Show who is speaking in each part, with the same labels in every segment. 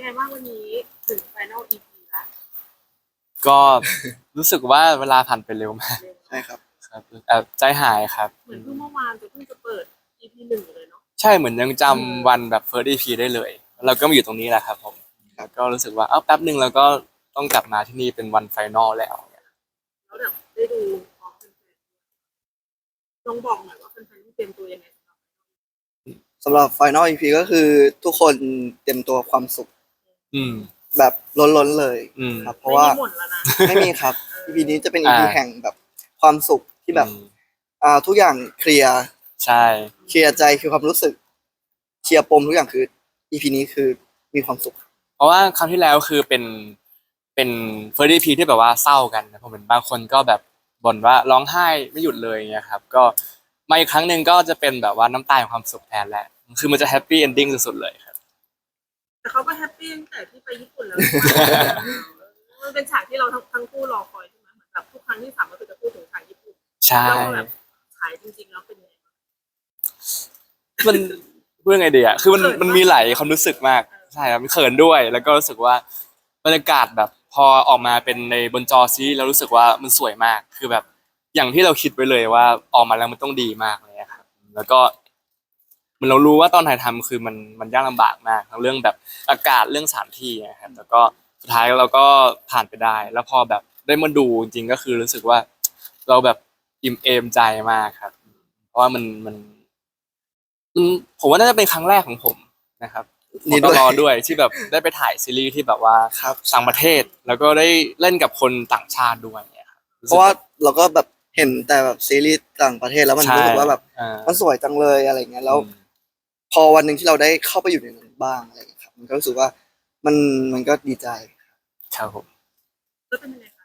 Speaker 1: งบ้างวันนี้ถึง Final EP แล้ว
Speaker 2: ก็รู้สึกว่าเวลาผ่านไปเร็วมาก
Speaker 1: เร็ว
Speaker 3: ใช่ครับ
Speaker 2: ครับแอบใจหายครับ
Speaker 1: เหมือนเพิ่งเมื่อวานจะเพิ่งจะเปิด EP หนึ่งเลยเนาะ
Speaker 2: ใช่เหมือนยังจำวันแบบ first EP ได้เลยเราก็มาอยู่ตรงนี้แหละครับผมแล้วก็รู้สึกว่าแป๊บหนึ่งแล้วก็ต้องกลับมาที่นี่เป็นวันไฟนอลแล้ว
Speaker 1: แล้วแบบได้ดูพร้อมแฟนๆลองบอกหน่อยว่าแฟนๆต้องเตรียมตัวยังไง
Speaker 3: สำหรับ Final EP ก็คือทุกคนเตรียมตัวความสุข
Speaker 2: อืม
Speaker 3: แบบล้นๆเลย
Speaker 2: อืม
Speaker 3: ครับ เพ
Speaker 1: ไม่
Speaker 3: ราะว่า
Speaker 1: มีหมดแล้วนะ
Speaker 3: ไม่มีครับ EP นี้จะเป็น EP แห่งแบบความสุขที่แบบ
Speaker 2: อืม
Speaker 3: ทุกอย่างเคลียร์
Speaker 2: ใช่
Speaker 3: เคลียร์ใจคือความรู้สึกเคลียร์ปมทุกอย่างคือ EP นี้คือมีความสุข
Speaker 2: เพราะว่าครั้งที่แล้วคือเป็น first EP ที่แบบว่าเศร้ากันนะผมเห็นบางคนก็แบบบ่นว่าร้องไห้ไม่หยุดเลยเงี้ยครับก็มาอีกครั้งหนึ่งก็จะเป็นแบบว่าน้ำตาแห่งความสุขแทนแหละคือมันจะแฮปปี้เอนดิ้งสุดๆเลยครับ
Speaker 1: แต่เขาก็แฮปปี้ตั้งแต่ที่ไปญี่ปุ่นแล้วมันเป็นฉากที่เราทั้งคู่รอคอยใช่ไหมเหมือนแบบทุกครั้งที่สามก็คือจะพูดถึงฉากญี่ปุ่น
Speaker 2: ใช่
Speaker 1: แล้วแบบฉายจริงๆแล้วเป็นยังไงบ้าง
Speaker 2: มันพูดยังไงดีอ่ะคือมัน
Speaker 1: เขินปะ
Speaker 2: มันมีหลายความรู้สึกมากใช่ครับเขินด้วยแล้วก็รู้สึกว่าบรรยากาศแบบพอออกมาเป็นในบนจอซีรีส์แล้วรู้สึกว่ามันสวยมากคือแบบอย่างที่เราคิดไว้เลยว่าออกมาแล้วมันต้องดีมากเลยอะครับแล้วก็มันเรารู้ว่าตอนถ่ายทำคือมันยากลำบากมากทั้งเรื่องแบบอากาศเรื่องสถานที่นะครับแล้วก็สุดท้ายเราก็ผ่านไปได้ แล้วพอแบบได้มาดูจริงๆก็คือรู้สึกว่าเราแบบอิ่มเอมใจมากครับเพราะว่ามันผมว่าน่าจะเป็นครั้งแรกของผมนะครับ
Speaker 3: นี่
Speaker 2: ต
Speaker 3: ด้วย
Speaker 2: ลอด้วยที่แบบได้ไปถ่ายซีรีส์ที่แบบว่า
Speaker 3: ครับ
Speaker 2: ต่างประเทศแล้วก็ได้เล่นกับคนต่างชาติด้วยเนี่ยครับ
Speaker 3: เพราะว่าเราก็แบบเห็นแต่แบบซีรีส์ต่างประเทศแล้วมัน
Speaker 2: ใช่
Speaker 3: รู้สึกว่าแบบ
Speaker 2: อ่า
Speaker 3: มันสวยจังเลยอะไรเงี้ยแล้ว พอวันหนึ่งที่เราได้เข้าไปอยู่ในนั้นบ้างอะไรเงี้ยครับมันก็รู้สึกว่ามันก็ดีใจ
Speaker 2: ครับผม
Speaker 1: แล้วเป็นยังไงคะ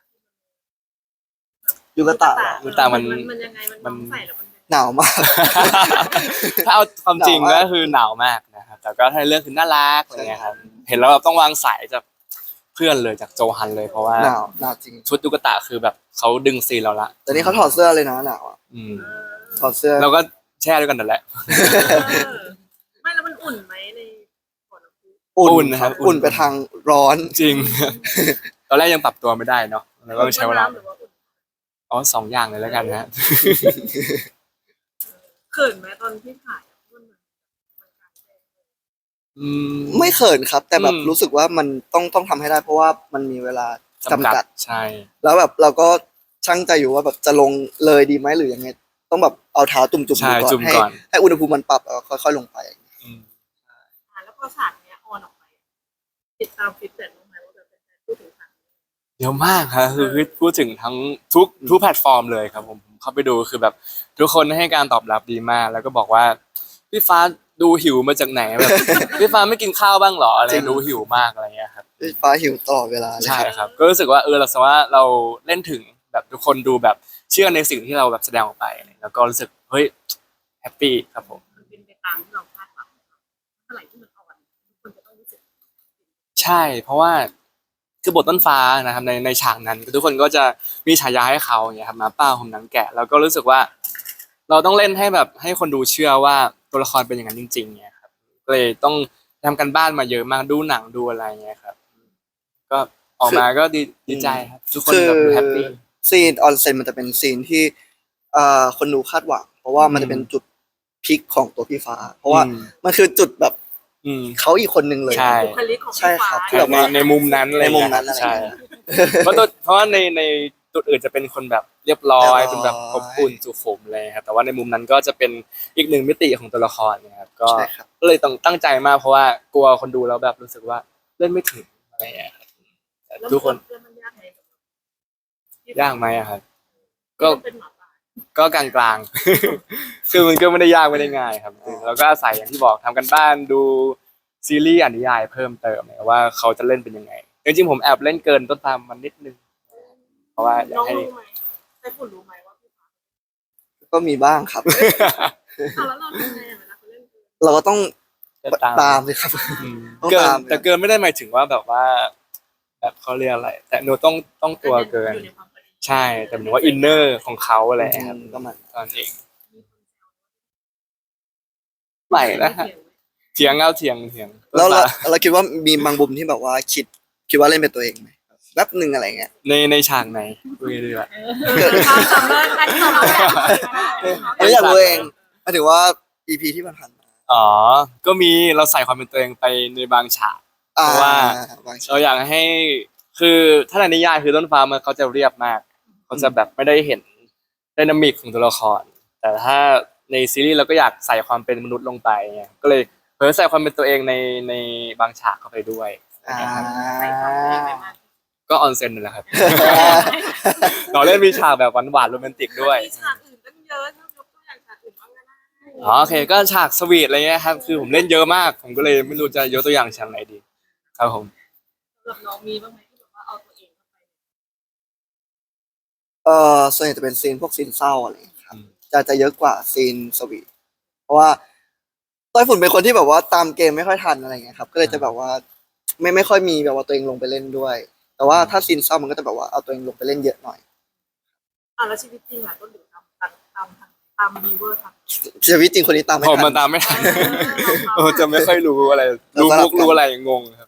Speaker 3: ยูกะตะ
Speaker 2: ยูกะตะมัน
Speaker 1: มันยังไงมันใส่แล้วมัน
Speaker 3: หนาวมาก
Speaker 2: ถ้าเอาความจริง
Speaker 3: หนาวมาก
Speaker 2: ก็คือหนาวมากนะครับแต่ก็ถ้าเรื่องคือน่ารักอะไรเงี้ยครับเห็นแล้วแบบต้องวางสายจากเพื่อนเลยจากโจฮันเลยเพราะว่า
Speaker 3: หนาวจริง
Speaker 2: ชุดยูกะตะคือแบบเขาดึงซีนเราละ
Speaker 3: แต่นี่เขาถอดเสื้อเลยนะหนาวอะ
Speaker 2: อืม
Speaker 3: ถอดเสื้อ
Speaker 2: เราก็แช่ด้วยกันนั่นแหละ
Speaker 1: ไม่แล้วมันอุ่นไหมในบ่อน้ำพุ
Speaker 2: อุ่นนะครับ
Speaker 3: อุ่นไปทางร้อน
Speaker 2: จริง ตอนแรกยังปรับตัวไม่ได้เนาะแล้วก็ใช้เวลา
Speaker 1: หรือว่าอุ่น
Speaker 2: อ๋อสองอย่างเลยแล้วกันนะ
Speaker 1: เขินไหมตอนที่ถ่ายมันกลางแจ้งเลย
Speaker 2: อืม
Speaker 3: ไม่เขินครับ แต่แบบ
Speaker 2: อืม
Speaker 3: รู้สึกว่ามันต้องทำให้ได้ เพราะว่ามันมีเวลาจำกัด
Speaker 2: ใช่
Speaker 3: แล้วแบบเราก็ช่างใจอยู่ว่าแบบจะลงเลยดีไหมหรือยังไงต้องแบบเอาเท้าจุ่มๆดู
Speaker 2: ใช่
Speaker 3: ก่อน
Speaker 2: จุ่ม
Speaker 3: ให้
Speaker 2: ก่อน
Speaker 3: ให้อุณหภูมิมันปรับแล้วก็ค่อยๆลงไป
Speaker 2: อืม
Speaker 1: แล้วพอฉากเนี้ยออนออกไปติดตามฟีดแบ็กบ้างไหมว่าแบบเป็นพูดถึงฉากนี้
Speaker 2: เยอะมากครับคือพูดถึงทั้งทุกแพลตฟอร์มเลยครับผมเข้าไปดูคือแบบทุกคนให้การตอบรับดีมาก แล้วก็บอกว่าพี่ฟ้าดูหิวมาจากไหนแบบ พี่ฟ้าไม่กินข้าวบ้างเหรออะไร
Speaker 3: จริง
Speaker 2: ดูหิวมากอะไรเงี้ยครับ
Speaker 3: ฟ้าหิวตลอดเวลาเลย
Speaker 2: ใช่ครับ ก็รู้สึกว่าเราสามารถเราเล่นถึงแบบทุกคนดูแบบเชื่อในสิ่งที่เราแบบแสดงออกไปแล้วก็รู้สึกเฮ้ยแฮปปี้ครับผม
Speaker 1: มันเป็นไปตามที่เราคาดหวังเมื่อไหร่ที่มันออนทุกคนจะต้องรู้สึก
Speaker 2: ใช่ เพราะว่าคือบทต้นฟ้านะครับในฉากนั้นทุกคนก็จะมีฉายาให้เขาอย่างเงี้ยครับหมาป้าผมหนังแกะแล้วก็รู้สึกว่า เราต้องเล่นให้แบบให้คนดูเชื่อว่าตัวละครเป็นอย่างนั้นจริงๆเนี่ยครับก็เลยต้องทำกันบ้านมาเยอะมากดูหนังดูอะไรเงี้ยครับ ก็ออกมาก็ดีใจครับทุกคน
Speaker 3: คือ
Speaker 2: แบบดูแฮปปี้
Speaker 3: ซีนออนเซ็นมันจะเป็นซีนที่คนดูคาดหวัง เพราะว่ามันจะเป็นจุดพีคของตัวพี่ฟ้า เพราะว่ามันคือจุดแบบ
Speaker 2: อืม
Speaker 3: เขาอีกคนนึงเลย
Speaker 2: ใช่
Speaker 1: บุคลิกของ
Speaker 3: ใช่
Speaker 1: พี่
Speaker 3: ครั
Speaker 1: ฟ้า
Speaker 3: บที่แบบว่า
Speaker 2: ในมุมนั้นอะไร
Speaker 3: ในมุม
Speaker 2: เงี้ย
Speaker 3: นั้นอะไร
Speaker 2: ใช่
Speaker 3: เงี้ย
Speaker 2: เพราะว่าในจุดอื่นจะเป็นคนแบบเรียบร้อย
Speaker 3: เรียบร้อย
Speaker 2: เป็นแบบอบอุ่นสุขุมเลยครับแต่ว่าในมุมนั้นก็จะเป็นอีกหนึ่งมิติของตัวละครนะครับก็
Speaker 3: ใช่ครับ
Speaker 2: ก็เลยต้องตั้งใจมากเพราะว่ากลัวคนดูแล้วแบบรู้สึกว่าเล่นไม่ถึงอะไรเงี้ยครับแต่
Speaker 1: แล้ว
Speaker 2: ทุกคน
Speaker 1: เพื่อนมันยากไหม
Speaker 2: ยากไหมอะครับ ก็
Speaker 1: เป็นหมาป่า
Speaker 2: ก็กลางๆ คือมันก็ไม่ได้ยากไม่ได้ง่ายครับเราก็อาศัยอย่างที่บอกทำกันบ้านดูซีรีส์อ่านนิยายเพิ่มเติมเนี่ยว่าเขาจะเล่นเป็นยังไงจริงๆผมแอบเล่นเกินต้นตามมันนิดนึงเพราะว่าอยา
Speaker 1: น้
Speaker 2: ก
Speaker 1: อง
Speaker 2: ให้
Speaker 1: รู้ไหมไต้ฝุ่นรู้ไหมว่าพี่ฟ้า
Speaker 3: ก็มีบ้างครับ
Speaker 1: แล้วเราทำไงเวลาเขาเล่นเกม
Speaker 3: เราก็ต้อง
Speaker 2: จะ
Speaker 3: ตามสิครับ
Speaker 2: อืม
Speaker 3: ต้อง
Speaker 2: เกิน
Speaker 3: ตาม
Speaker 2: แต่เกินไม่ได้หมายถึงว่าแบบว่า แบบเขาเรียกอะไร แต่หนูต้องตัวเกิน
Speaker 1: อยู่ในความพอดี
Speaker 2: ใช่แต่หมายถึงว่าอินเนอร์ของเขาอะไรครับ
Speaker 3: ก็มัน
Speaker 2: ตอนเองใหม่นะฮะเถียงเอาเถียง
Speaker 3: แล้วเราคิดว่ามีบางมุมที่แบบว่าคิดว่าเล่นเป็นตัวเองไหมแป๊บหนึ่งอะไรเงี้ย
Speaker 2: ในฉากไหนคุยดีกว่า
Speaker 1: ความสำเร็จอันที่เราอยาก
Speaker 3: ไม่อยากรู้เองหมายถึงว่า EP ที่ผ่านมา
Speaker 2: อ๋อก็มีเราใส่ความเป็นตัวเองไปในบางฉาก เพราะว่า
Speaker 3: บางฉาก
Speaker 2: เราอยากให้คือถ้าในนิยายคือต้นฟ้ามันเขาจะเรียบมากเขาจะแบบไม่ได้เห็นไดนามิกของตัวละคร แต่ถ้าในซีรีส์เราก็อยากใส่ความเป็นมนุษย์ลงไปไงก็เลยเผยใส่ความเป็นตัวเองในบางฉากเข้าไปด้วย
Speaker 3: อ่า
Speaker 2: ก็ออนเซ็นนั่นแหละครับ เราเล่นมีฉากแบบหวานๆโรแมนติกด้วย
Speaker 1: มีฉากอื่นตั้งเยอะถ้ายกตัวอย่างฉากอื่นบ้างก็ได้
Speaker 2: อ๋อโอเคก็ฉากสวีทอะไรเงี้ยครับคือผมเล่นเยอะมาก ผมก็เลยไม่รู้จะยกตัวอย่างฉากไหนดี ครับผม
Speaker 1: สำหรับน้องมีบ้างไหมที่แบบว่าเอาตัวเองเข้าไป
Speaker 3: ส่วนใหญ่จะเป็นซีนพวกซีนเศร้าอะไรอย่างเงี้ยครับจะเยอะกว่าซีนสวีทเพราะว่าต้อยฝุ่นเป็นคนที่แบบว่าตามเกมไม่ค่อยทันอะไรเงี้ยครับก็เลยจะแบบว่าไม่ค่อยมีแบบว่าตัวเองลงไปเล่นด้วย แต่ว่าถ้าซีนเศร้ามันก็จะแบบว่าเอาตัวเองลงไปเล่นเยอะหน่อย
Speaker 1: แล้วชีวิตจริงอ่ะต้นหรือตามบีเวอร์ทำ
Speaker 3: ชีวิตจริงคนนี้ตามไม่
Speaker 2: ผม
Speaker 3: ทั
Speaker 2: มาน ตามไม่ทัน จะไม่ค่อยรู้อะไรรู้มุกรู้อะไรงงครับ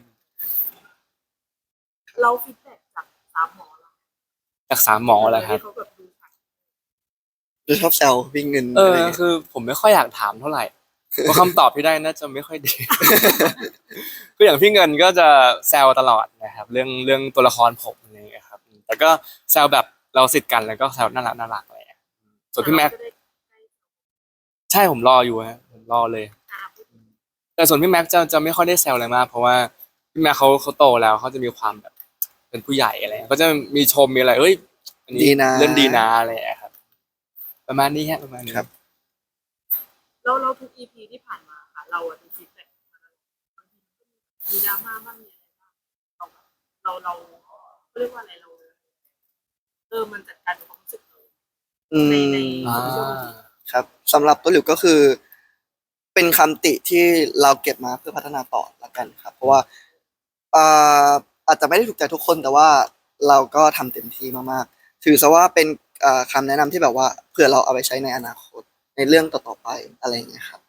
Speaker 1: เราฟีดแบ็กจากสามหมอเรา
Speaker 2: จากสามหมออะไรครับ
Speaker 1: ที่เขาแบบดูฉาก
Speaker 3: จะชอบแซววิ่งเงิน
Speaker 2: เอ
Speaker 3: อะ
Speaker 2: อ
Speaker 3: ไรเงี้ย
Speaker 2: คือผมไม่ค่อยอยากถามเท่าไหร่เพราะคำตอบที่ได้น่าจะไม่ค่อยดี คืออย่างพี่เงินก็จะแซวตลอดนะครับ เรื่องตัวละครผมอะไรอย่างเงี้ยครับ แต่ก็แซวแบบเราสิทธิ์กันแล้วก็แซวน่ารักอะไรอย่างเงี้ยส่วนพี่แม็ก
Speaker 1: จะได้
Speaker 2: ใช่ผมรออยู่ฮะผมรอเลย
Speaker 1: พูด
Speaker 2: แต่ส่วนพี่แม็กจะไม่ค่อยได้แซวอะไรมากเพราะว่าพี่แม็กเขาโตแล้วเขาจะมีความแบบเป็นผู้ใหญ่อะไรเงี้ยก็จะมีชมมีอะไรเอ้ยอันนี้
Speaker 3: ดีนะ
Speaker 2: เล่นดีนะอะไรอย่างเงี้ยครับ ประมาณนี้ฮะประมาณนี้
Speaker 3: ครับ
Speaker 1: เราทุก EP ที่ผ่านมาค่ะเราดูฟีดแบ็กมาตลอดบางทีมีดราม่าบ้างมีอะไรบ้างเราเรียกว่าอะไรเรามันจัดการกับความรู้สึกเรา
Speaker 3: อื
Speaker 1: ใน
Speaker 3: ม
Speaker 2: อ่า
Speaker 3: ครับสำหรับตัวหลิวก็คือ เป็นคำติที่เราเก็บมาเพื่อพัฒนาต่อละกันครับ เพราะว่าอ่าอาจจะไม่ได้ถูกใจทุกคนแต่ว่าเราก็ทำเต็มที่มากๆถือซะว่าเป็นคำแนะนำที่แบบว่าเผื่อเราเอาไปใช้ในอนาคตในเรื่องต่อๆไปอะไรอย่างเงี้ยครับ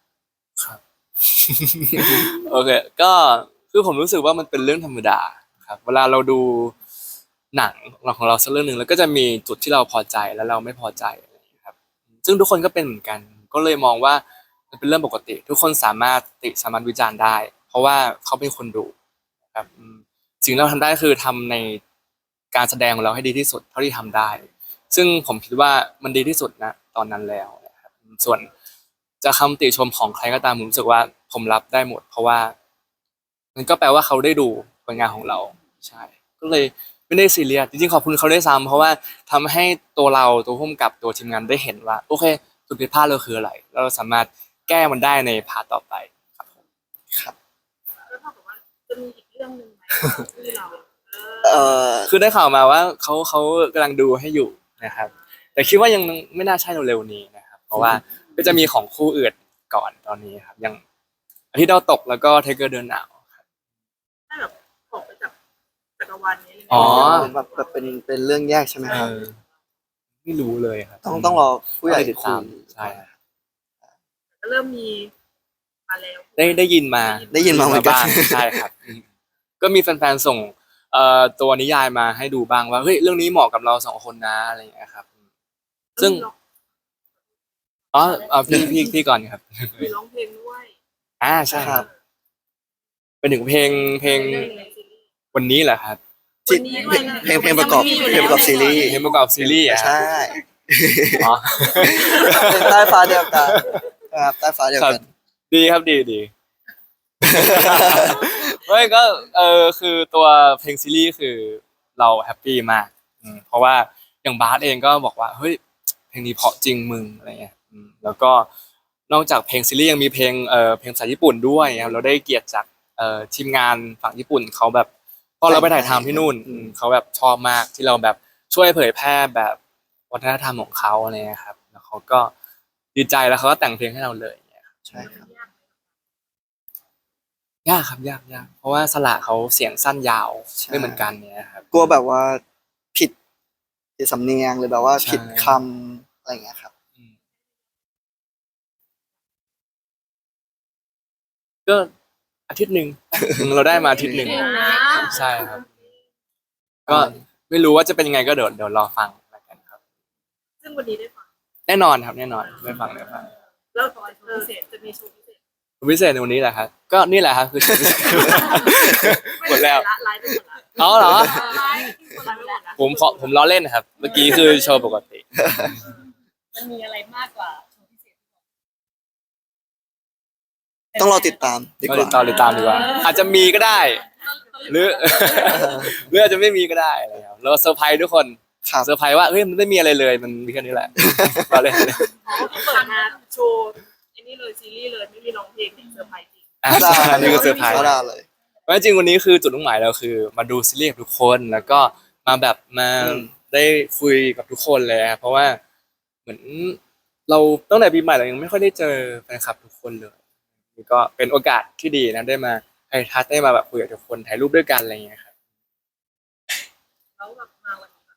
Speaker 2: โอเค ก็คือผมรู้สึกว่ามันเป็นเรื่องธรรมดาครับเวลาเราดูหนังของเราสักเรื่องหนึ่งแล้วก็จะมีจุดที่เราพอใจแล้วเราไม่พอใจอะไรอย่างเงี้ยครับซึ่งทุกคนก็เป็นเหมือนกัน ก็เลยมองว่ามันเป็นเรื่องปกติ ทุกคนสามารถสามารถวิจารณ์ได้ เพราะว่าเขาเป็นคนดูครับสิ่งที่เราทำได้คือทำในการแสดงของเราให้ดีที่สุดเท่าที่ทำได้ ซึ่งผมคิดว่ามันดีที่สุดนะตอนนั้นแล้วนะครับส่วนจะคำติชมของใครก็ตามผมรู้สึกว่าผมรับได้หมด เพราะว่ามันก็แปลว่าเขาได้ดูผลงานของเราใช่ก็เลยไม่ได้ซีเรียสจริงๆขอบคุณเขาได้วยซ้ำเพราะว่าทำให้ตัวเราตัวผู้กำกับตัวทีมงานได้เห็นว่าโอเคจุดผิดพลาดเราคืออะไรแล้วเราสามารถแก้มันได้ในพาร์ทต่อไปครับผม
Speaker 1: แล้วถ้าบอกว่าจะมีอีกเรื่องหนึ่งไหมที่เรา
Speaker 3: เอ่อ
Speaker 2: คือได้ข่าวมาว่าเขากำลังดูให้อยู่นะครับ แต่คิดว่ายังไม่น่าใช่เร็วๆนี้นะครับ เพราะว่าก็จะมีของคู่อื่นก่อนตอนนี้ครับยังอาทิตย์ดาวตกแล้วก็เทเกอร์เดินหนาว
Speaker 1: ถ้าแบบออกไปจากจักรวาลนี้เลย
Speaker 2: อ๋อ
Speaker 3: แบบเป็นเรื่องแยกใช่ไหมครับ
Speaker 2: ไม่รู้เลยครับ
Speaker 3: ต้องรอผู้ใหญ่
Speaker 2: ติด
Speaker 3: คุ
Speaker 2: ตาม
Speaker 3: ย
Speaker 2: ใช่ครับ
Speaker 1: เริ่มมีมาแล้ว
Speaker 2: ได้ยินมา
Speaker 3: ได้ยินมาเหมือนกัน
Speaker 2: บ้างใช่ครับก็มีแฟนๆส่งตัวนิยายมาให้ดูบ้างว่าเฮ้ยเรื่องนี้เหมาะกับเราสองคนนะอะไรอย่างเงี้ยครับ ซึ่ง อ๋อเอาพี่ก่อนครับ
Speaker 1: มีร้องเพลงด้วย
Speaker 2: ใช่ครับ เป็นถึงเพลง
Speaker 1: ในซีรีส์
Speaker 2: วันนี้เหรอครับ
Speaker 3: ที่เพลงประกอบซีรีส์
Speaker 2: เพลงประกอบซีรีส์อะครับ
Speaker 3: ใช่
Speaker 2: อ๋อ
Speaker 3: เป็นใต้ฟ้าเดียวกันครับใต้ฟ้าเดียว
Speaker 2: ครับ
Speaker 3: กัน
Speaker 2: ดีครับดี ไม่ก็คือตัวเพลงซีรีส์คือเราแฮปปี้มากเพราะว่าอย่างบาสเองก็บอกว่าเฮ้ยเพลงนี้เพราะจริงมึงอะไรเงี้ยแล้วก็นอกจากเพลงซีรีส์ยังมีเพลงภาษาญี่ปุ่นด้วยครับเราได้เกียรติจากทีมงานฝั่งญี่ปุ่นเขาแบบพอเราไปถ่ายทำที่นู่นเขาแบบชอบมากที่เราแบบช่วยเผยแพร่แบบวัฒนธรรมของเขาอะไรเงี้ยครับแล้วเขาก็ดีใจแล้วเขาก็แต่งเพลงให้เราเลย
Speaker 3: ใช่ครับ
Speaker 2: ยากครับยากเพราะว่าสระเขาเสียงสั้นยาว
Speaker 3: ใช่
Speaker 2: ไม่เหมือนกันเนี่ยครับ
Speaker 3: กลัวแบบว่าผิดสำเนียงหรือแบบว่า
Speaker 2: ใช่
Speaker 3: ผิดคำอะไรอย่างเงี้ยครับ
Speaker 2: ก็อาทิตย์หนึ่งเราได้มาอาทิตย์หนึ่ง
Speaker 1: เก่งนะ
Speaker 2: ใช่ครับ ก็ไม่รู้ว่าจะเป็นยังไงก็เดี๋ยวรอฟังแล้วกันครับ
Speaker 1: ซึ่งวันนี้ได้ฟัง
Speaker 2: แน่นอนครับแน่นอนได้ฟังได้ฟัง
Speaker 1: แล้วตอนพิเศษจะมีโชว์พิเศษ
Speaker 2: พิเศษในวันนี้แหละครับก็นี่แหละครับคือโชว์พิเศษ หมดแล้ว
Speaker 1: ไลฟ์ไปหมดแล้ว
Speaker 2: อ๋อเหรอ
Speaker 1: ไลฟ์ไปหมดแล้ว
Speaker 2: ผมล้อเล่นครับ เมื่อกี้คือโชว์ปกติ
Speaker 1: มันมีอะไรมากกว่าโชว์พิเศษ
Speaker 3: ต้องรอติดตามดี
Speaker 2: ก็
Speaker 3: ก
Speaker 2: ติ
Speaker 3: ว่า
Speaker 2: ดตามดีกว่า อาจจะมีก็ได้ หรือ หรืออาจจะไม่มีก็ได้อะไรครับเราเซอร์ไพรส์ทุกคน
Speaker 3: ครับ
Speaker 2: เซอร์ไพรส์ว่าเฮ้ยมันไม่มีอะไรเลยมันมีแค่นี้แหละเราเล่น
Speaker 1: อ๋อเปิดมาโชว์ไอ้นี่เลยซีรีส์เลยไม่มีร้องเพลงเนี่ยเซอร์ไพรส์จริง
Speaker 2: อ่ะ
Speaker 3: ได้
Speaker 2: นี่คือเซอร์ไพรส์
Speaker 3: ก็ได้เลย
Speaker 2: เพราะจริงๆวันนี้คือจุดมุ่งหมายเราคือ มาดูซีรีส์กับทุกคนแล้วก็มาแบบมา
Speaker 3: อืม
Speaker 2: ได้คุยกับทุกคนเลยครับเพราะว่าเหมือนเราตั้งแต่ปีใหม่เรายังไม่ค่อยได้เจอแฟนคลับทุกคนเลยนี่ก็เป็นโอกาสที่ดีนะได้มาไฮทัชได้มาแบบคุยกับทุกคนถ่ายรูปด้วยกันอะไรอย่างเงี้ยครับ
Speaker 1: แล้วแบบมาวันนี้แบบ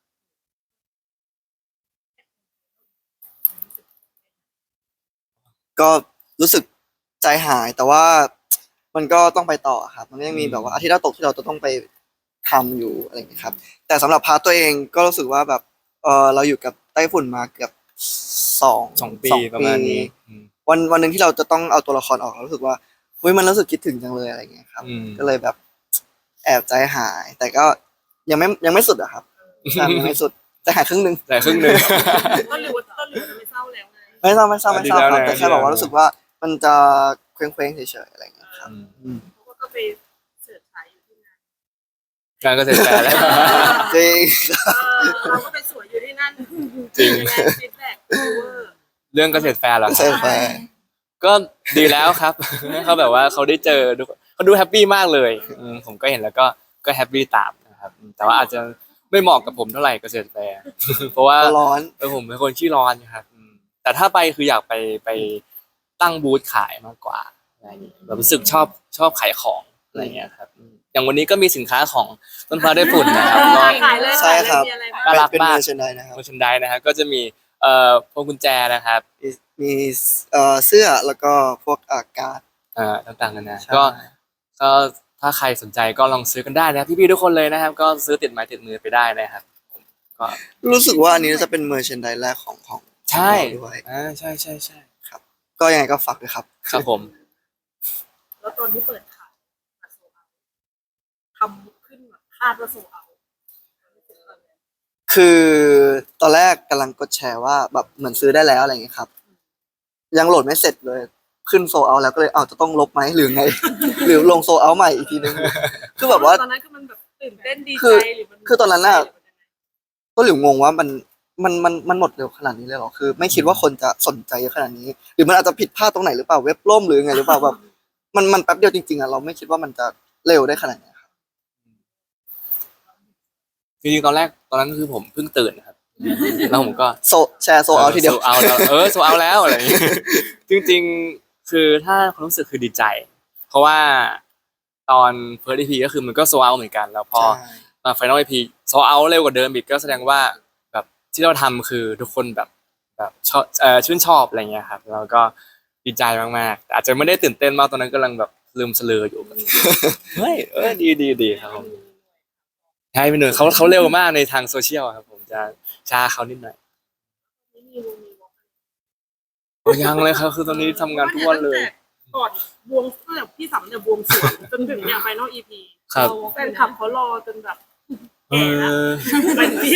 Speaker 3: ก็รู้สึกใจหายแต่ว่ามันก็ต้องไปต่อครับ มันก็ยังมีแบบว่าอาทิตย์ละตกที่เราจะต้องไปทำอยู่อะไรอย่างเงี้ยครับ แต่สำหรับพาร์ทตัวเองก็รู้สึกว่าแบบเราอยู่กับไต้ฝุ่นมาเกือบสอง
Speaker 2: 2 ปีประมาณนี้อืม
Speaker 3: วันหนึ่งที่เราจะต้องเอาตัวละครออกเรารู้สึกว่าเฮ้ยมันรู้สึกคิดถึงจังเลยอะไรอย่างเงี้ยครับ
Speaker 2: อืม
Speaker 3: ก็เลยแบบแอบใจหาย แต่ก็ยังไม่สุดอะครับใช่ยังไม่สุดใจหายครึ่งหนึง
Speaker 2: แต่ครึ่งหนึ่ง
Speaker 1: ต้นหลิวจะไม่เศร้าแล้วไง
Speaker 3: ไม่เศร้าครับ
Speaker 2: ดีแล้วนะ
Speaker 3: แต่แค่บอกว่ารู้สึกว่ามันจะเคว้งๆเฉยๆอะไรอย่างเงี้ยครับ
Speaker 2: อืม
Speaker 1: เขาก็ไปเสิร์ชขายอยู่ที่นั่น
Speaker 2: งานก็เสร็จแล้ว
Speaker 3: จริง
Speaker 1: เราก็ไปสวยอยู่ที่นั่น
Speaker 2: จริง
Speaker 1: ฟีดแบ็กเวอร์
Speaker 2: เรื่องเกษตรแฟร์เหรอค
Speaker 3: ใช่
Speaker 2: รับ
Speaker 3: ไป
Speaker 2: ก็ดีแล้วครับ เขาแบบว่าเขาได้เจอเขาดูแฮปปี้มากเลยผมก็เห็นแล้วก็แฮปปี้ตามนะครับแต่ว่าอาจจะไม่เหมาะกับผมเท่าไหร่เกษตรแฟร์ เพราะว่า
Speaker 3: ก็ร้อน
Speaker 2: ผมเป็นคนขี้ร้อนครับแต่ถ้าไปคืออยากไปตั้งบูธขายมากกว่าอะไรอย่างเงี้ยแบบรู้สึกชอบขายของอะไรเงี้ยครับอย่างวันนี้ก็มีสินค้าของต้นฟ้าได้ฝุ่นนะครับก็
Speaker 1: ขายเลย
Speaker 3: ใช่ครับ
Speaker 1: มีอะไรบ้าง
Speaker 2: น่ารัก
Speaker 3: เป็น
Speaker 2: มาก
Speaker 3: เมอร์ชนไดนะครับ
Speaker 2: โมชันไดนะครับก็จะมีพวงกุญแจนะครับ
Speaker 3: มีเสื้อแล้วก็พวกการ์ด
Speaker 2: ต่างๆกันานะ
Speaker 3: ใช่
Speaker 2: ก็ถ้าใครสนใจก็ลองซื้อกันได้นะครับพี่ๆทุกคนเลยนะครับ ก็ซื้อติดไม้ติดมือไปได้นะครับก็
Speaker 3: รู้สึกว่าอันนี้จะเป็นเมอร์ชนไดแรกของ
Speaker 2: ใช่
Speaker 3: เราด้วย
Speaker 2: ใช่ใช่
Speaker 3: ก็ยังไงก็ฝากด้วยครับ
Speaker 2: ครับผม
Speaker 1: แล้วตอนที่เปิดขายโซเอาทำขึ้นแบบคาดว่าโซเอา
Speaker 3: คือตอนแรกกำลังกดแชร์ว่าแบบเหมือนซื้อได้แล้วอะไรอย่างเงี้ยครับ ยังโหลดไม่เสร็จเลยขึ้นโซเอาแล้วก็เลยจะต้องลบไหมหรือไง หรือลงโซเอาใหม่อีกทีนึงคือแบบว่า
Speaker 1: ตอนนั้นคือมันแบบตื่นเต้นดี
Speaker 3: คื
Speaker 1: ใจ
Speaker 3: อ
Speaker 1: หรือมัน
Speaker 3: คือตอนนั้นน่ะ ก็หลิวงงว่ามันหมดเร็วขนาดนี้เลยเหรอคือ ไม่คิดว่าคนจะสนใจเยอะขนาดนี้ หรือมันอาจจะผิดพลาดตรงไหนหรือเปล่าเว็บล่มหรือไงหรือเปล่าแบบมันแป๊บเดียวจริงๆอะเราไม่คิดว่ามันจะเร็วได้ขนาดนี้ครับ
Speaker 2: จริงๆตอนนั้นคือผมเพิ่งตื่นนะครับแล้วผมก็
Speaker 3: แชร์โซเอาทีเดียว
Speaker 2: โซเอาแล้วโซเอาแล้วอะไรอย่างเงี้ย จริงๆคือถ้าความรู้สึกคือดีใจ เพราะว่าตอน First EP ก็คือมันก็โซเอาเหมือนกันแล้วพอ มา Final EP โซเอาเร็วกว่าเดิมอีกก็แสดงว่าแบบที่เราทำคือทุกคนแบบชอบชื่นชอบอะไรเงี้ยครับแล้วก็ดีใจมากๆแต่อาจจะไม่ได้ตื่นเต้นมากตอนนั้นกำลังแบบลืมเสลออยู่ เฮ้ยดีครับผมใช่เป็นหนึ่งเขาเร็วมากในทางโซเชียลครับผมจะช้าเขานิดหน่อย
Speaker 1: ไม่มีวงมีวง
Speaker 2: โอ้ยังเลยครับคือตอนนี้ทำงานทุกวันเลย
Speaker 1: ก่อนบวงเสื้อพี่สำเนี่ยบวงสรวงจนถึงเนี่ยไฟนอลอีพี
Speaker 2: ครับ
Speaker 1: แฟนคลับเขารอจนแบบ
Speaker 2: เออ
Speaker 1: เป็นปี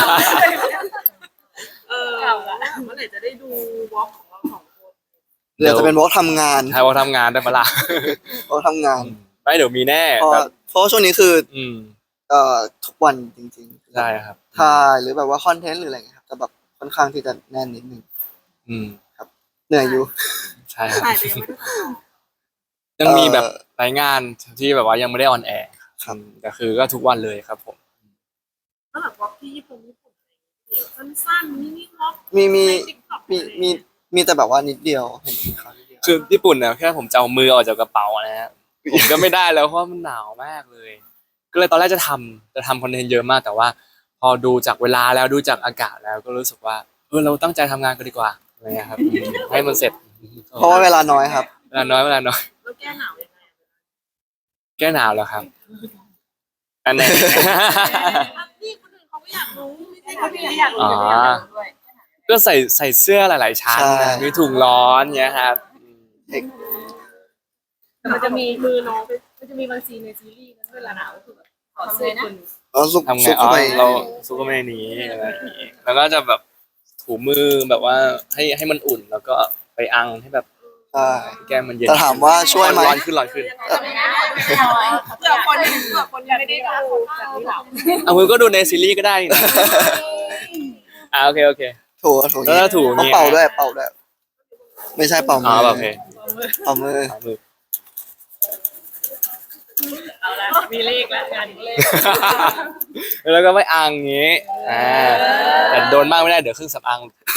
Speaker 1: เมื่อไหร่จะได้ดูวอล์กของเราสองคน
Speaker 3: เดี๋ยวจะเป็นวอล์กทำงาน
Speaker 2: ใช่ว่าทำงานได้ปะล่ะ
Speaker 3: วอล์กทำงาน
Speaker 2: ไม่เดี๋ยวมีแน่
Speaker 3: เพราะ
Speaker 2: แบบ
Speaker 3: เพราะว่าช่วงนี้คือ
Speaker 2: อืม
Speaker 3: ทุกวันจริงๆ
Speaker 2: ใช่ครับ
Speaker 3: ถ่ายหรือแบบว่าคอนเทนต์หรืออะไรเงี้ยครับจะแบบค่อนข้างที่จะแน่นนิดนึง
Speaker 2: อืม
Speaker 3: เหนื่อยอยู่
Speaker 2: ใช่ครับ
Speaker 1: ถ่ายไปยังไม่ได้ถ่าย
Speaker 2: ยังมีแบบรายงานที่แบบว่ายังไม่ได้ออนแอร์
Speaker 3: ครับ
Speaker 2: แต่คือก็ทุกวันเลยครับผม
Speaker 1: แล้วแบบวอล์กที่ญี่ปุ่นเดี๋ยวสั้นๆมินิวอล์ก
Speaker 3: มี
Speaker 1: ใน TikTok
Speaker 3: มีแต่แบบว่านิดเดียวเห็นเขานิดเดียว
Speaker 2: คือญี่ปุ่นเนี่ยแค่ผมจะเอามือออกจากกระเป๋านะฮะผมก็ไม่ได้แล้วเพราะว่ามันหนาวมากเลย ก็เลยตอนแรกจะทำคอนเทนต์เยอะมากแต่ว่า พอดูจากเวลาแล้วดูจากอากาศแล้วก็รู้สึกว่าเราตั้งใจทำงานกันดีกว่าอะไรเงี้ยครับให้มันเสร็จ
Speaker 3: เพราะว่าเวลาน้อยครับ
Speaker 2: เวลาน้อย
Speaker 1: แล้วแก้หนาวยังไง
Speaker 2: แก้หนาวแล้วครับอันไหน
Speaker 1: นี่คนอื่นเขาก็อยากรู้ไม่ใช่คนอื่นอยากรู้แต่ไม่อยากรู้ด้วย
Speaker 2: ก็ใส่เสื้อหลาย ๆ ชั้น
Speaker 3: ใช่
Speaker 2: นะมีถุงร้อนเงี้ยครับ
Speaker 1: แต่มันจะมีมือน้องมันจะมีบางซีนในซีรีส์นะเวลาหนาวก็คือแบบขอเสื้อคน
Speaker 3: แล้วซุก
Speaker 2: ทำไง
Speaker 3: ซุก
Speaker 2: อ๋
Speaker 3: เข้า
Speaker 2: อ
Speaker 3: ไป
Speaker 2: เราซุกเข้าไปในนี้อะไรอย่างงี้แล้วก็จะแบบถูมือแบบว่าให้มันอุ่นแล้วก็ไปอังให้แบบ
Speaker 3: ใช่
Speaker 2: แก้มมันเย็น
Speaker 3: แต่ถามว่าช่วยไหม
Speaker 2: ร้อนขึ้นร้อนขึ้น
Speaker 1: เผื่อคนยังไม่ได้ดูแบบนี้หรอ
Speaker 2: เอามือก็ดูในซีรีส์ก็ได้นี่นะโอเคโอเค
Speaker 3: ถูถู
Speaker 2: แล้วก็ถูอย่างงี้
Speaker 3: ต้องเป่าด้วยเป่าด้วย ไม่ใช่เป่า
Speaker 2: อ๋
Speaker 3: มื
Speaker 2: อ
Speaker 3: อ
Speaker 2: โอเค
Speaker 3: เป่ามือ
Speaker 2: เอามือ
Speaker 1: เอาละมีเลขแล้วงานเลข
Speaker 2: แล้วก็ไปอังอย่างงี้แต่โดนมากไม่ได้เดี๋ยวเครื่องสำอาง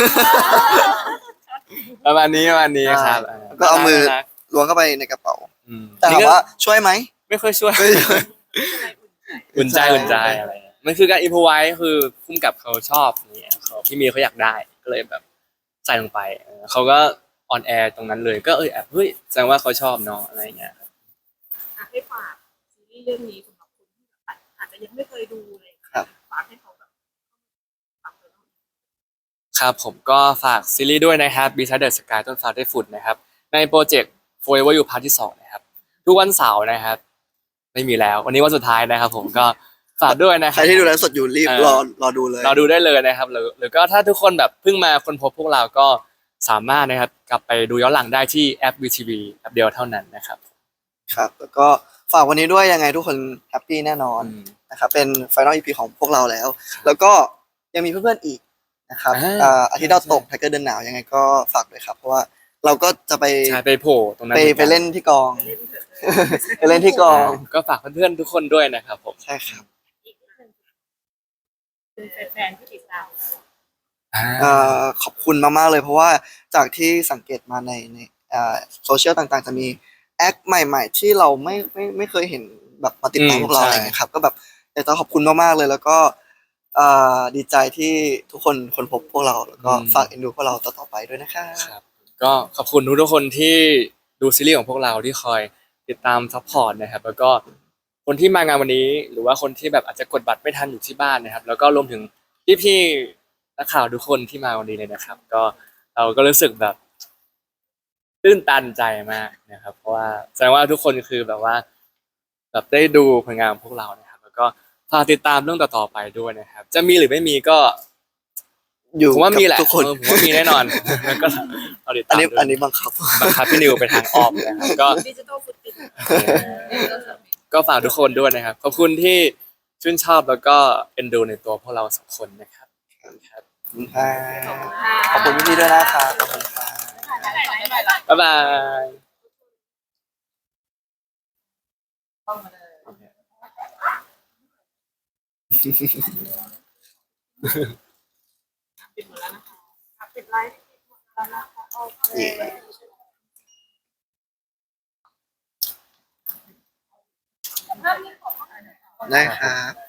Speaker 2: ประมาณนี้ครับ
Speaker 3: ก็เอามือ
Speaker 2: น่รัก
Speaker 3: ล้วงเข้าไปในกระเป๋า
Speaker 2: ๆ
Speaker 3: แต่ถามว่าช่วยไหม
Speaker 2: ไม่ค่อยช่วย
Speaker 3: ไม่ช่วย
Speaker 2: อุ่นใจอะไรมันคือการอินพไว้คือพุ่มกับเขาชอบเนี่ยเขาพี่มีเขาอยากได้ก็เลยแบบใส่ลงไปเขาก็ออนแอร์ตรงนั้นเลยก็แอบเฮ้ยแสดงว่าเขาชอบเนาะอะไรเงี้ย
Speaker 1: ให้ฝากซีรีส์เรื่องนี้สำหรับคนที่อาจจะยังไม่เคยดูเลยฝากให้เขาแบบฝากเลย
Speaker 2: ครับผมก็ฝากซีรีส์ด้วยนะครับ Beside the Sky ต้นฟ้าได้ฝุ่นนะครับในโปรเจกต์ Forever You Part ที่2นะครับทุกวันเสาร์นะครับ ไม่มีแล้ววันนี้วันสุดท้ายนะครับ ผมก็ฝากด้วยนะค
Speaker 3: ใค
Speaker 2: รั
Speaker 3: ร
Speaker 2: บ
Speaker 3: ที่ดูแลฟ์สดอยู่รีบรอดูเลย
Speaker 2: เราดูได้เลยนะครับหรือก็ถ้าทุกคนแบบเพิ่งมาค้นพบพวกเราก็สามารถนะครับกลับไปดูย้อนหลังได้ที่แอป VTV แอปเดียวเท่านั้นนะครับ
Speaker 3: ครับ แล้วก็ฝากวันนี้ด้วยยังไงทุกคนแฮปปี้แน่นอน
Speaker 2: อืม
Speaker 3: นะครับเป็นไฟนอลอีพีของพวกเราแล้ว แล้วก็ยังมีเพื่อนๆอีกนะครับ อาทิตย์ดาวตกไทเกอร์เดินหนาวยังไงก็ฝากด้วยครับ เพราะว่าเราก็จะไป
Speaker 2: ใช่ไปโผล่ตรงนั้น
Speaker 3: ไปเล่นที่กอง ไปเล่นที่กอง
Speaker 2: ก็ฝากเพื่อนๆทุกคนด้วยนะครับผม
Speaker 3: ใช่ครับ
Speaker 1: เป็นแฟนๆที่ติดตาม
Speaker 3: ขอบคุณมากๆเลยเพราะว่าจากที่สังเกตมาในโซเชียลต่างๆ จะมีแอคใหม่ๆ ที่เราไม่เคยเห็นแบบมาติดตามพวกเราอะไรอย่างเงี้ยครับก็แบบอยากจะขอบคุณมากๆเลยแล้วก็ดีใจที่ทุกคนค้นพบพวกเราแล้วก็ฝากเอ็นดูพวกเราต่อๆไปด้วยนะครับ
Speaker 2: ครับก็ขอบคุณทุกๆคนที่ดูซีรีส์ของพวกเราที่คอยติดตามซัพพอร์ตนะครับ แล้วก็คนที่มางานวันนี้ หรือว่าคนที่แบบอาจจะกดบัตรไม่ทันอยู่ที่บ้านนะครับ แล้วก็รวมถึงพี่ๆนักข่าวทุกคนที่มาวันนี้เลยนะครับ ก็เราก็รู้สึกแบบตื้นตันใจมากนะครับ เพราะว่าแสดงว่าทุกคนคือแบบว่าแบบได้ดูผลงานของพวกเรานะครับ แล้วก็ฝากติดตามเรื่องต่อๆไปด้วยนะครับ จะมีหรือไม่มีก็
Speaker 3: อยู่
Speaker 2: ผมว่ามีแหละ
Speaker 3: กับทุกคน
Speaker 2: ผมว่ามีแน่นอน แล้วก็เราติด
Speaker 3: อั
Speaker 2: ตาน ม
Speaker 3: นี้
Speaker 2: ด้วย
Speaker 3: อันนี้บังคับ
Speaker 2: บังคับพี่นิวไปทางอ้อมนะครับก็
Speaker 1: ดิจิตอลฟุตติ้ง
Speaker 2: ก็ฝากทุกคนด้วยนะครับ ขอบคุณที่ชื่นชอบแล้วก็เอ็นดูในตัวพวกเราสองคนนะครับครับ
Speaker 3: ขอบคุณพี่ๆด้วยนะครับขอบคุณครับ
Speaker 2: บ๊ายบาย
Speaker 1: ปิดหมดแล้วนะคะปิดไลฟ์หมดแล้วนะคะโอเค
Speaker 3: ได้ครับ